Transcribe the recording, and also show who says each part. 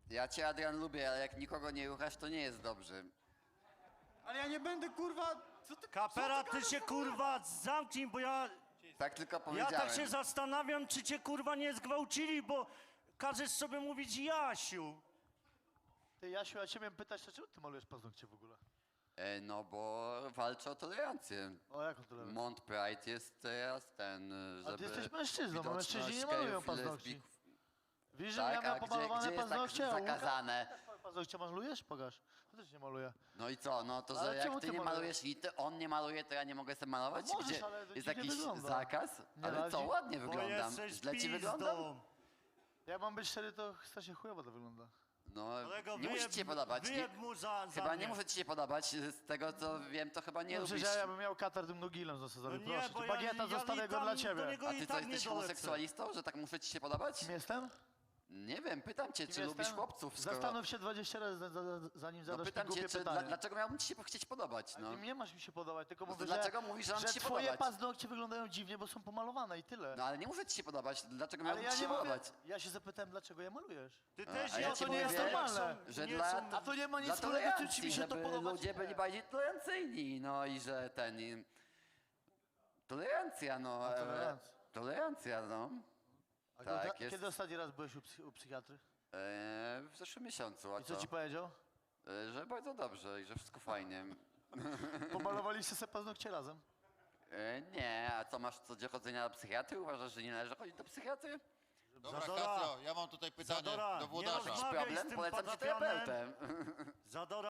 Speaker 1: Ja cię, Adrian, lubię, ale jak nikogo nie ruchasz, to nie jest dobrze.
Speaker 2: Ale ja nie będę, kurwa...
Speaker 3: Kapera, ty się kurwa zamknij, bo ja
Speaker 1: Tak tylko powiedziałem.
Speaker 3: tak się zastanawiam, czy cię kurwa nie zgwałcili, bo każesz sobie mówić Jasiu.
Speaker 4: Ty, Jasiu, ja cię miałem pytać, dlaczego ty malujesz paznokcie w ogóle?
Speaker 1: No bo walczę o tolerancję.
Speaker 4: O, jaką tolerancję?
Speaker 1: Mont Pride jest teraz ten, żeby...
Speaker 4: A ty jesteś mężczyzną, a
Speaker 1: widoczność
Speaker 4: mężczyźni nie malują
Speaker 1: gejów i
Speaker 4: paznokci.
Speaker 1: lesbijków.
Speaker 4: Wiesz, że
Speaker 1: Tak,
Speaker 4: ja
Speaker 1: a
Speaker 4: miałem
Speaker 1: gdzie
Speaker 4: pomalowane
Speaker 1: jest tak
Speaker 4: paznokcie, a Łukasz
Speaker 1: zakazane?
Speaker 4: paznokcie malujesz? Pokaż. To też nie maluje.
Speaker 1: No i co, no to,
Speaker 4: Ale
Speaker 1: że
Speaker 4: czemu
Speaker 1: jak ty
Speaker 4: ty
Speaker 1: nie
Speaker 4: malujesz?
Speaker 1: malujesz i on nie maluje, to ja nie mogę sobie malować?
Speaker 4: No możesz,
Speaker 1: Gdzie
Speaker 4: ale to
Speaker 1: jest
Speaker 4: dziwnie
Speaker 1: jakiś
Speaker 4: wygląda.
Speaker 1: zakaz?
Speaker 4: Nie,
Speaker 1: Ale
Speaker 4: ale
Speaker 1: co,
Speaker 4: dzi-
Speaker 1: ładnie
Speaker 3: Bo
Speaker 1: wyglądam.
Speaker 3: jesteś
Speaker 1: Źle ci wyglądam?
Speaker 3: pizdą.
Speaker 4: Jak mam być szczery, to strasznie chujowo to wygląda.
Speaker 1: No,
Speaker 3: Kolego,
Speaker 1: nie musi ci się podobać.
Speaker 3: wyjeb mu za
Speaker 1: Chyba
Speaker 3: mnie.
Speaker 1: nie może ci się podobać, z tego co wiem, to chyba nie
Speaker 4: No przecież
Speaker 1: lubisz.
Speaker 4: ja bym miał katar tym nogilem zasadowy,
Speaker 3: No
Speaker 4: proszę.
Speaker 3: bo
Speaker 4: Cię. Bagieta, zostawię
Speaker 3: i
Speaker 4: go
Speaker 3: tam
Speaker 4: dla
Speaker 3: do
Speaker 4: ciebie.
Speaker 3: niego
Speaker 1: A
Speaker 3: i
Speaker 1: ty co,
Speaker 3: tak nie
Speaker 1: jesteś
Speaker 3: dolecę.
Speaker 1: homoseksualistą, że tak muszę ci się podobać?
Speaker 4: Kim jestem?
Speaker 1: Nie wiem, pytam cię, czy
Speaker 4: Kim
Speaker 1: lubisz
Speaker 4: jestem?
Speaker 1: chłopców, skoro...
Speaker 4: Zastanów się 20 razy, zanim
Speaker 1: No
Speaker 4: zadasz mi
Speaker 1: pytam
Speaker 4: głupie
Speaker 1: cię,
Speaker 4: pytanie.
Speaker 1: dlaczego miałbym ci się chcieć podobać, no?
Speaker 4: Ty nie masz mi się podobać, tylko
Speaker 1: No to
Speaker 4: mówię,
Speaker 1: dlaczego mówisz, że mam ci się
Speaker 4: twoje
Speaker 1: podobać?
Speaker 4: paznokcie wyglądają dziwnie, bo są pomalowane i tyle.
Speaker 1: No ale nie muszę ci się podobać, dlaczego
Speaker 4: Ale
Speaker 1: miałbym
Speaker 4: ja
Speaker 1: ci się
Speaker 4: nie mówię,
Speaker 1: podobać?
Speaker 4: ja się zapytałem, dlaczego je malujesz.
Speaker 3: Ty też
Speaker 1: a ja
Speaker 3: nie,
Speaker 1: ci
Speaker 3: to nie jest
Speaker 1: mówię,
Speaker 3: normalne.
Speaker 1: że
Speaker 3: Nie
Speaker 1: dla-
Speaker 3: są-
Speaker 4: A to nie ma nic
Speaker 1: Dla
Speaker 4: wspólnego, czy mi
Speaker 1: tolerancji,
Speaker 4: się to
Speaker 1: żeby
Speaker 4: podoba,
Speaker 1: ludzie
Speaker 4: czy
Speaker 1: byli
Speaker 4: nie.
Speaker 1: bardziej tolerancyjni, no i że ten... Tolerancja, no.
Speaker 4: tolerancja.
Speaker 1: Tolerancja, no.
Speaker 4: A
Speaker 1: Tak,
Speaker 4: kiedy
Speaker 1: jest.
Speaker 4: ostatni raz byłeś u psychiatry?
Speaker 1: W zeszłym miesiącu, a
Speaker 4: I co ci powiedział?
Speaker 1: Że bardzo dobrze i że wszystko fajnie.
Speaker 4: Pomalowaliście sobie paznokcie razem?
Speaker 1: Nie, a co, masz co do chodzenia do psychiatry? Uważasz, że nie należy chodzić do psychiatry?
Speaker 5: Dobra,
Speaker 3: Zadora.
Speaker 5: Kacro, ja mam tutaj pytanie
Speaker 3: Zadora,
Speaker 5: do
Speaker 3: nie
Speaker 5: włodarza.
Speaker 3: rozmawiaj z
Speaker 1: Problem?
Speaker 3: tym
Speaker 1: Polecam ci
Speaker 3: patafianem.
Speaker 1: terapeutem.
Speaker 3: Zadora.